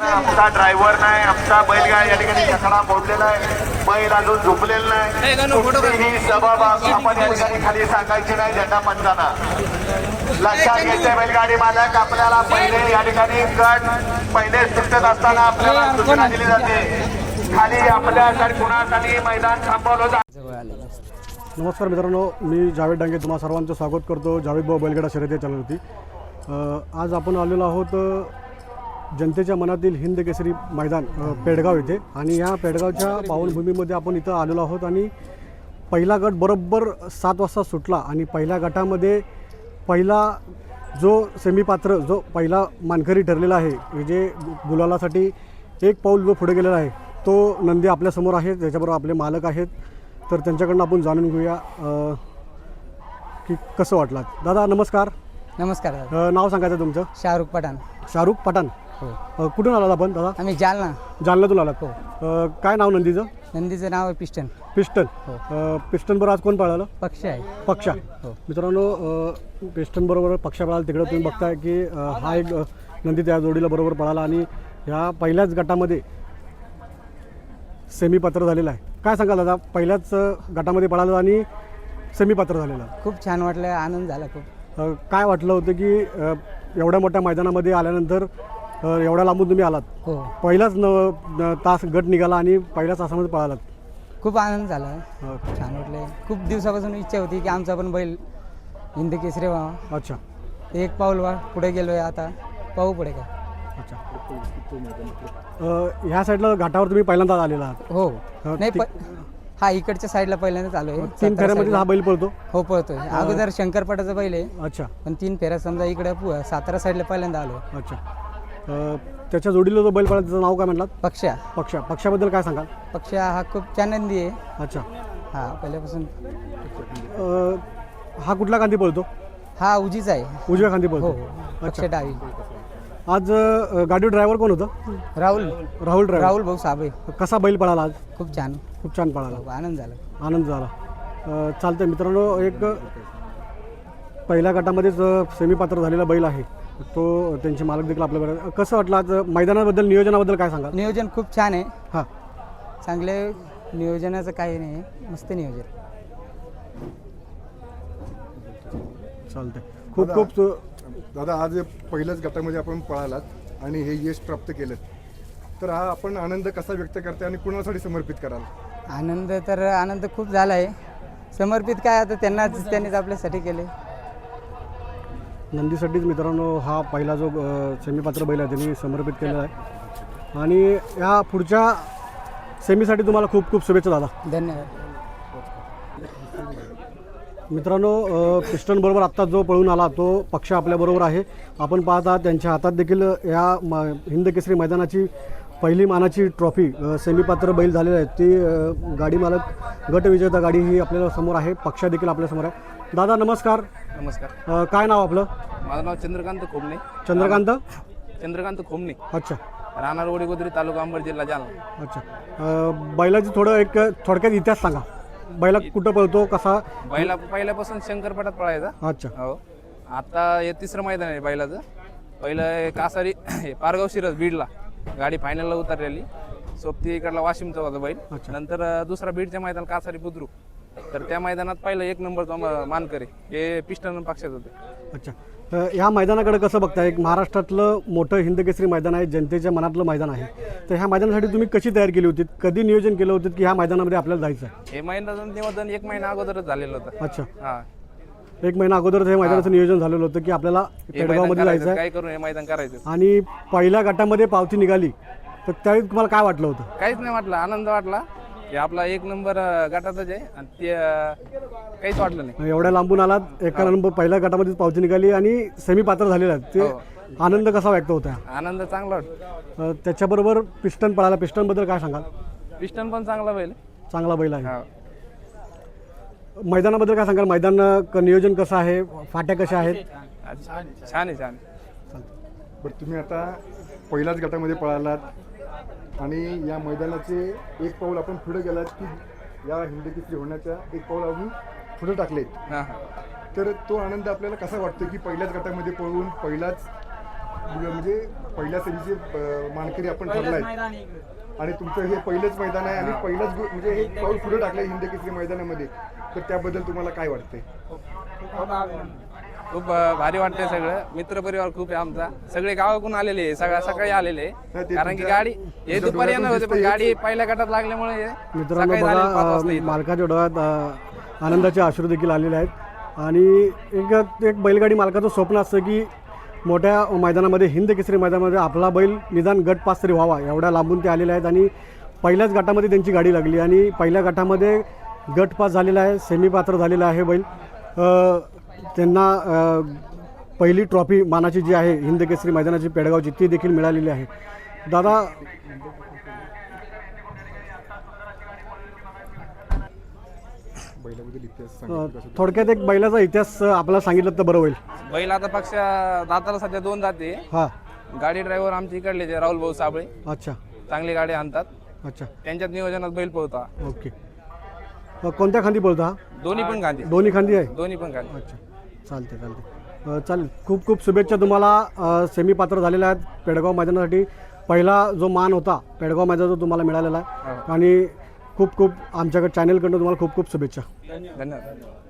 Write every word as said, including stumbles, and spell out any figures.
आमचा ड्रायव्हर नाही, आमचा बैलगाडी या ठिकाणी छकडा मोडलेला आहे, बैल अजून झोपलेला नाही. ही सबब आपण या ठिकाणी खाली सांगायची नाही झेंडा पंचाना. लक्षात घ्यायचे बैलगाडी मालक, आपल्याला पहिले या ठिकाणी गट पहिले सुटत असताना आपल्याला सूचना दिली जाते, खाली आपल्यासाठी कुणासाठी मैदान थांबवलं जातं. नमस्कार मित्रांनो, मी जावेद डांगे तुम्हा सर्वांचं स्वागत करतो जावेद भाऊ बैलगाडा शर्यती चॅनलवरती. आज आपण आलेलो आहोत जनतेच्या मनातील हिंद केसरी मैदान पेडगाव येथे, आणि ह्या पेडगावच्या पावनभूमीमध्ये आपण इथं आलेलो आहोत. आणि पहिला गट बरोबर सात वाजता सुटला आणि पहिल्या गटामध्ये पहिला जो सेमीपात्र जो पहिला मानकरी ठरलेला आहे, जे गुलालासाठी एक पाऊल जो पुढे गेलेला आहे, तो नंदी आपल्यासमोर आहे. त्याच्याबरोबर आपले मालक आहेत, तर त्यांच्याकडून आपण जाणून घेऊया की कसं वाटलं. दादा नमस्कार. नमस्कार दादा. नाव सांगायचं तुमचं? शाहरुख पठाण. शाहरुख पठाण. हो. कुठून आलात आपण दादा? आम्ही जालना. जालन्यातून आलात. हो. काय नाव नंदीचं? नंदीचं नाव आहे पिस्टन. पिस्टन. हो. पिस्टन बरोबर आज कोण पळालं? पक्ष आहे. पक्षा. हो. मित्रांनो, पिस्टन बरोबर पक्षा पळाला. तिकडे तुम्ही बघताय की हा एक नंदी त्या जोडीला बरोबर पळाला आणि ह्या पहिल्याच गटामध्ये सेमीपात्र झालेला आहे. काय सांगाल दादा, पहिल्याच गटामध्ये पळालं आणि सेमीपात्र झालेलं? खूप छान वाटलं, आनंद झाला खूप. काय वाटलं होतं की एवढ्या मोठ्या मैदानामध्ये आल्यानंतर एवढ्या लांबून तुम्ही आलात? हो. पहिलाच न तास गट निघाला आणि पहिल्याच तासामध्ये पळालात. खूप आनंद झाला, छान वाटलं. खूप दिवसापासून इच्छा होती की आमचा पण बैल हिंद केसरी व्हावा. अच्छा. एक पाऊल वा पुढे गेलोय, आता पाहू पुढे काय. अच्छा. ह्या साईडला घाटावर तुम्ही पहिल्यांदाच आलेला आहात? हो. नाही, हा इकडच्या साईडला पहिल्यांदाच आलोय. तीन फेऱ्यामध्ये हा बैल पळतो? हो, पळतोय. अगोदर शंकरपाटाचा बैल आहे. अच्छा. पण तीन फेऱ्या समजा इकडे सातारा साईडला पहिल्यांदा आलो. अच्छा. त्याच्या जोडीला जो बैल पळला त्याचं नाव काय म्हणलात? पक्षा. पक्षा. पक्षाबद्दल काय सांगाल? पक्षा हा खूप आनंदी आहे. अच्छा. हा पहिल्यापासून. हा कुठला खांदी पळतो? हा उजीचा आहे. उजव्या खांदी पळतो. हो. पक्षा डावी. आज गाडी ड्रायव्हर कोण होतं? राहुल. राहुल ड्रायव्हर. राहुल भाऊ साबळे. कसा बैल पळाला आज? खूप छान. खूप छान पळाला. आनंद झाला. आनंद झाला. चालतंय मित्रांनो, एक पहिल्या गटामध्येच सेमीपात्र झालेला बैल आहे तो, त्यांचे मालक देखील आपल्याकडे. कसं वाटलं आज मैदानाबद्दल, नियोजनाबद्दल काय सांगाल? नियोजन खूप छान आहे. हां, चांगले नियोजनाचं काही नाही, मस्त नियोजन. चालतंय. खूप खूप दादा, आज पहिल्याच गटामध्ये आपण पळालात आणि हे यश प्राप्त केलं, तर हा आपण आनंद कसा व्यक्त करते आणि कुणासाठी समर्पित कराल? आनंद तर आनंद खूप झाला आहे. समर्पित काय, आता त्यांनाच त्यांनीच आपल्यासाठी केले. नंदीसाठीच मित्रांनो हा पहिला जो सेमीपात्र बैल आहे त्यांनी समर्पित केलेला आहे. आणि ह्या पुढच्या सेमीसाठी तुम्हाला खूप खूप शुभेच्छा दादा. धन्यवाद. मित्रांनो, पिस्टन बरोबर आत्ता जो पळून आला तो पक्ष आपल्याबरोबर आहे. आपण पाहता त्यांच्या हातात देखील या म हिंद केसरी मैदानाची पहिली मानाची ट्रॉफी, सेमीपात्र बैल झालेला आहे. ती गाडी मालक गट विजेता गाडी ही आपल्या समोर आहे. पक्ष देखील आपल्यासमोर आहे. दादा नमस्कार. नमस्कार. काय नाव आपलं? माझं नाव चंद्रकांत खोमणे. चंद्रकांत चंद्रकांत खोमणे. अच्छा. राहणार वडीगोद्री, तालुका अंबड, जिल्हा जालना. अच्छा. बैलाची थोडं एक थोडक्यात इतिहास सांगा. बैला कुठं पळतो, कसा? बैला पहिल्यापासून शंकरपाटात पळायचा. अच्छा. हो. आता हे तिसरं मैदान आहे बैलाचं. पहिलं कासारी पारगाव शिरस बीडला गाडी फायनलला उतरलेली. सोबती इकडला वाशिमचा होता बैल. नंतर दुसरा बीडच्या मैदान कासारी बुद्रुक. तर त्या मैदानात पहिलं एक नंबरचा मानकरी हे पिस्टन पक्षात होते. अच्छा. ह्या मैदानाकडे कसं बघताय? एक महाराष्ट्रातलं मोठं हिंद केसरी मैदान आहे, जनतेच्या मनातलं मैदान आहे. तर ह्या मैदानासाठी तुम्ही कशी तयार केली होती? कधी नियोजन केलं होतं की ह्या मैदानामध्ये आपल्याला जायचं आहे? हे मैदान नियोजन एक महिना अगोदरच झालेलं होतं. अच्छा. हा, एक महिना अगोदरच हे मैदानाचं नियोजन झालेलं होतं की आपल्याला पेडगावमध्ये जायचं आहे, काय करून हे मैदान करायचं. आणि पहिल्या गटामध्ये पावती निघाली, तर त्यावेळी तुम्हाला काय वाटलं होतं? काहीच नाही वाटलं, आनंद वाटला की आपला एक नंबर गटातच आहे आणि ते काहीच वाटलं नाही. एवढ्या लांबून आलात, एका नंबर पहिल्या गटामध्येच पावती निघाली आणि सेमीपात्र झालेला आहे, ते आनंद कसा व्यक्त होता? आनंद चांगला वाटतो. त्याच्याबरोबर पिस्टन पळाला. पिस्टनबद्दल काय सांगाल? पिस्टन पण चांगला बैल. चांगला बैल आहे. मैदानाबद्दल काय सांगाल? मैदान नियोजन कसं आहे? फाट्या कशा आहेत? छान आहे, छान. बरं, तुम्ही आता पहिल्याच गटामध्ये पळालात आणि या मैदानाचे एक पाऊल आपण पुढे गेलात की या हिंद केसरी होण्याच्या एक पाऊल अजून पुढे टाकले, तर तो आनंद आपल्याला कसा वाटतो की पहिल्याच गटामध्ये पळून पहिलाच म्हणजे पहिल्या सेमीचे अं, मानकरी आपण ठरलाय आणि तुमचं हे पहिलंच मैदान आहे आणि पहिलंच गो- म्हणजे हे पाऊल पुढे टाकलं हिंद केसरी मैदानामध्ये, तर त्याबद्दल तुम्हाला काय वाटतंय? खूप अं, भारी वाटतंय सगळं. मित्रपरिवार खूप आहे आमचा, सगळे गावाकडून आलेले आहे, सगळ्या सकाळी आलेले नाही, ते कारण की तुमच्या- गाडी हे तुमच्या दुपारी येणार होते पण डोळ्यातून गाडी पहिल्या गटात लागल्यामुळे मित्रांनो सकाळी झालेले पाच बघा वाजता अ, इथं. मालकाच्या डोळ्यात अ, आनंदाचे अश्रू देखील आलेले आहेत आणि एक एक बैलगाडी मालकाचं स्वप्न असतं की मोठ्या मैदानामध्ये हिंद केसरी मैदानामध्ये आपला बैल निदान गट पास तरी व्हावा, एवढ्या लांबून ते आलेले आहेत आणि पहिल्याच गटामध्ये त्यांची गाडी लागली आणि पहिल्या गटामध्ये गट पास झालेला आहे, सेमी पात्र झालेला आहे बैल. अ, त्यांना अ, पहिली ट्रॉफी मानाची जी आहे हिंद केसरी मैदानाची पेडगावची ती देखील मिळालेली आहे. दादा बैलाबद्दल इतिहास अ, सांगितलं कसं? थोडक्यात एक बैलाचा इतिहास आपल्याला सांगितलं तर बरं होईल. बैल आता पक्ष दाताला सध्या दोन जाते. हां गाडी ड्रायव्हर आमच्या इकडले जे राहुल भाऊ साबळे, अच्छा चांगली गाडी आणतात, अच्छा त्यांच्यात नियोजनात बैल पोहता. ओके. अ, कोणत्या खांदी बोलता हा? दोन्ही पण गांधी, दोन्ही खांदी आहे. दोन्ही पण गांधी. अच्छा चालते चालते अ, चालेल. खूप खूप शुभेच्छा तुम्हाला. अ, सेमी पात्र झालेल्या आहेत पेडगाव मैदानासाठी. पहिला जो मान होता पेडगाव मैदानाचा तुम्हाला मिळालेला आहे आणि खूप खूप आमच्याकडे चॅनलकडनं तुम्हाला खूप खूप शुभेच्छा. धन्यवाद.